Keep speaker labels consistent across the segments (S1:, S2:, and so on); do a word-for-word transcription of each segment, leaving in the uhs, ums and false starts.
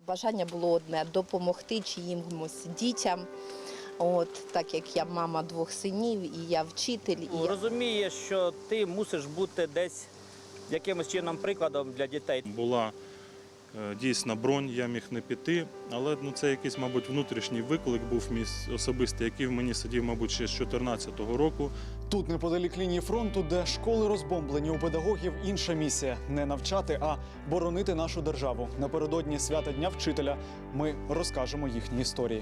S1: Бажання було одне – допомогти чиїмось дітям. От, так як я мама двох синів і я вчитель. І...
S2: Розумієш, що ти мусиш бути десь якимось чином прикладом для дітей.
S3: Була е, дійсна бронь, я міг не піти, але ну, це якийсь, мабуть, внутрішній виклик був мій особистий, який в мені сидів, мабуть, ще з чотирнадцятого року.
S4: Тут, неподалік лінії фронту, де школи розбомблені, у педагогів інша місія – не навчати, а боронити нашу державу. Напередодні свята Дня вчителя ми розкажемо їхні історії.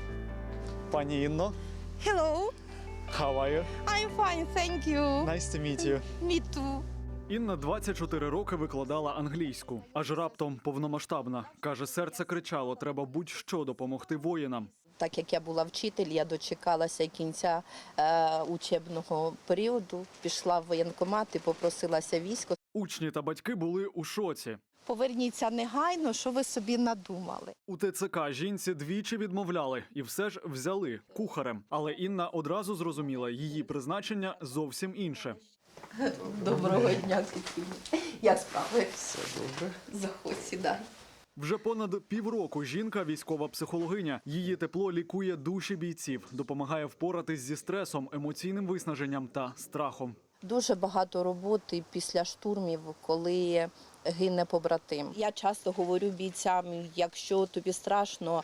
S4: Пані Інно,
S5: Hello,
S4: how are you?
S5: I'm fine, thank you.
S4: Nice to meet you.
S5: Me too.
S4: Інна двадцять чотири роки викладала англійську. Аж раптом повномасштабна. Каже, серце кричало, треба будь-що допомогти воїнам.
S1: Так як я була вчитель, я дочекалася кінця е, учебного періоду, пішла в воєнкомат і попросилася військо.
S4: Учні та батьки були у шоці.
S5: Поверніться негайно, що ви собі надумали.
S4: У ТЦК жінці двічі відмовляли і все ж взяли кухарем. Але Інна одразу зрозуміла, її призначення зовсім інше.
S1: Доброго дня, Катерина. Як справи? Все добре. Заходь, сідай.
S4: Вже понад півроку жінка – військова психологиня. Її тепло лікує душі бійців, допомагає впоратись зі стресом, емоційним виснаженням та страхом.
S1: Дуже багато роботи після штурмів, коли гине побратим. Я часто говорю бійцям, якщо тобі страшно,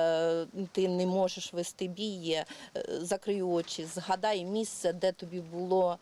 S1: ти не можеш вести бій, закрий очі, згадай місце, де тобі було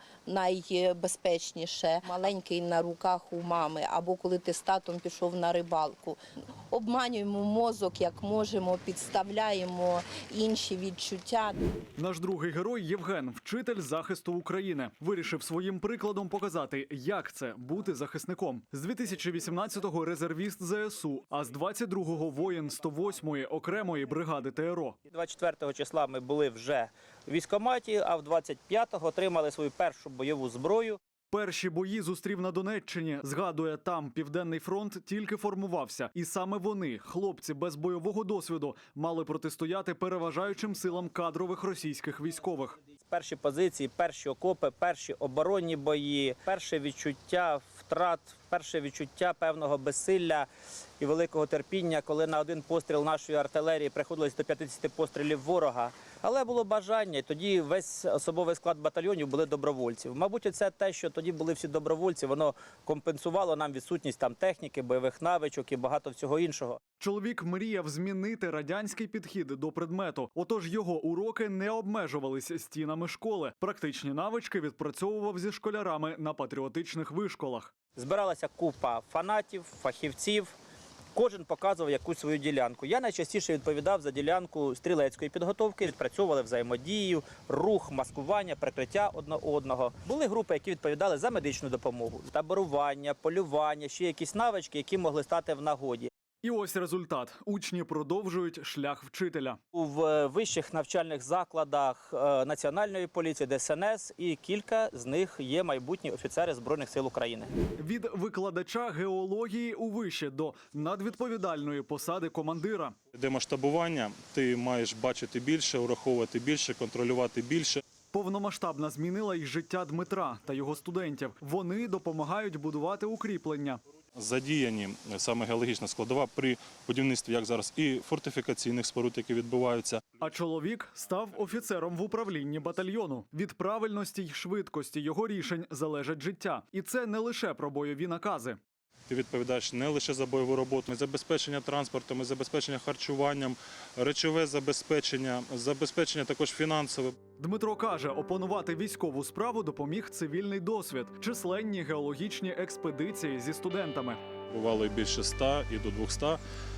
S1: найбезпечніше. Маленький на руках у мами, або коли ти з татом пішов на рибалку. Обманюємо мозок, як можемо, підставляємо інші відчуття.
S4: Наш другий герой – Євген, вчитель захисту України. Вирішив своїм прикладом показати, як це – бути захисником. З дві тисячі вісімнадцятого резервіст ЗСУ, а з двадцять другого воїн сто восьмої окремої бригади ТРО.
S2: двадцять четвертого числа ми були вже в військкоматі, а в двадцять п'ятого отримали свою першу бойову зброю.
S4: Перші бої зустрів на Донеччині. Згадує, там Південний фронт тільки формувався. І саме вони, хлопці без бойового досвіду, мали протистояти переважаючим силам кадрових російських військових.
S2: Перші позиції, перші окопи, перші оборонні бої, перше відчуття втрат, перше відчуття певного безсилля і великого терпіння, коли на один постріл нашої артилерії приходилось до п'ятдесят пострілів ворога. Але було бажання, і тоді весь особовий склад батальйонів були добровольців. Мабуть, це те, що тоді були всі добровольці, воно компенсувало нам відсутність там техніки, бойових навичок і багато всього іншого.
S4: Чоловік мріяв змінити радянський підхід до предмету. Отож його уроки не обмежувалися стінами школи. Практичні навички відпрацьовував зі школярами на патріотичних вишколах.
S2: Збиралася купа фанатів, фахівців. Кожен показував якусь свою ділянку. Я найчастіше відповідав за ділянку стрілецької підготовки, відпрацьовували взаємодію, рух, маскування, прикриття одне одного. Були групи, які відповідали за медичну допомогу, таборування, полювання, ще якісь навички, які могли стати в нагоді.
S4: І ось результат. Учні продовжують шлях вчителя.
S2: У вищих навчальних закладах Національної поліції, Де Ес Ен Ес, і кілька з них є майбутні офіцери Збройних сил України.
S4: Від викладача геології у виші до надвідповідальної посади командира.
S3: Де масштабування, ти маєш бачити більше, ураховувати більше, контролювати більше.
S4: Повномасштабна змінила й життя Дмитра та його студентів. Вони допомагають будувати укріплення.
S3: Задіяні саме геологічна складова при будівництві, як зараз, і фортифікаційних споруд, які відбуваються.
S4: А чоловік став офіцером в управлінні батальйону. Від правильності й швидкості його рішень залежить життя. І це не лише про бойові накази.
S3: Ти відповідаєш не лише за бойову роботу, забезпечення транспортом, забезпечення харчуванням, речове забезпечення, забезпечення також фінансове.
S4: Дмитро каже, опанувати військову справу допоміг цивільний досвід, численні геологічні експедиції зі студентами.
S3: Бувало і більше ста, і до двохсот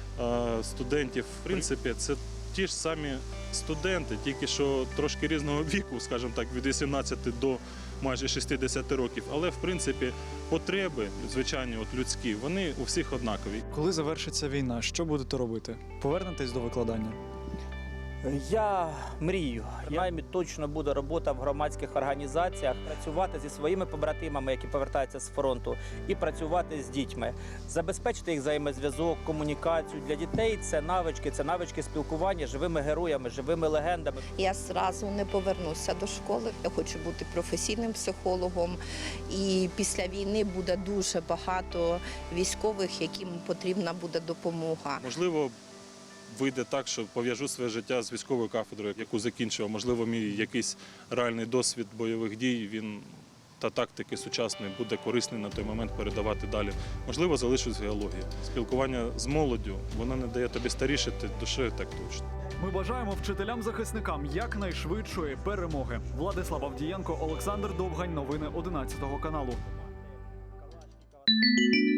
S3: студентів. В принципі, це ті ж самі студенти, тільки що трошки різного віку, скажімо так, від вісімнадцяти до майже шістдесяти років. Але, в принципі, потреби, звичайні, от людські, вони у всіх однакові.
S4: Коли завершиться війна, що будете робити? Повернетесь до викладання?
S2: Я мрію. Принаймні точно буде робота в громадських організаціях, працювати зі своїми побратимами, які повертаються з фронту, і працювати з дітьми, забезпечити їх взаємозв'язок, комунікацію. Для дітей це навички, це навички спілкування з живими героями, живими легендами.
S1: Я зразу не повернуся до школи. Я хочу бути професійним психологом. І після війни буде дуже багато військових, яким потрібна буде допомога.
S3: Можливо, вийде так, що пов'яжу своє життя з військовою кафедрою, яку закінчував. Можливо, мій якийсь реальний досвід бойових дій, він та тактики сучасної буде корисний на той момент передавати далі. Можливо, залишусь в геології. Спілкування з молоддю, воно не дає тобі старішити душею, так точно.
S4: Ми бажаємо вчителям-захисникам якнайшвидшої перемоги. Владислав Авдієнко, Олександр Довгань. Новини одинадцятого каналу.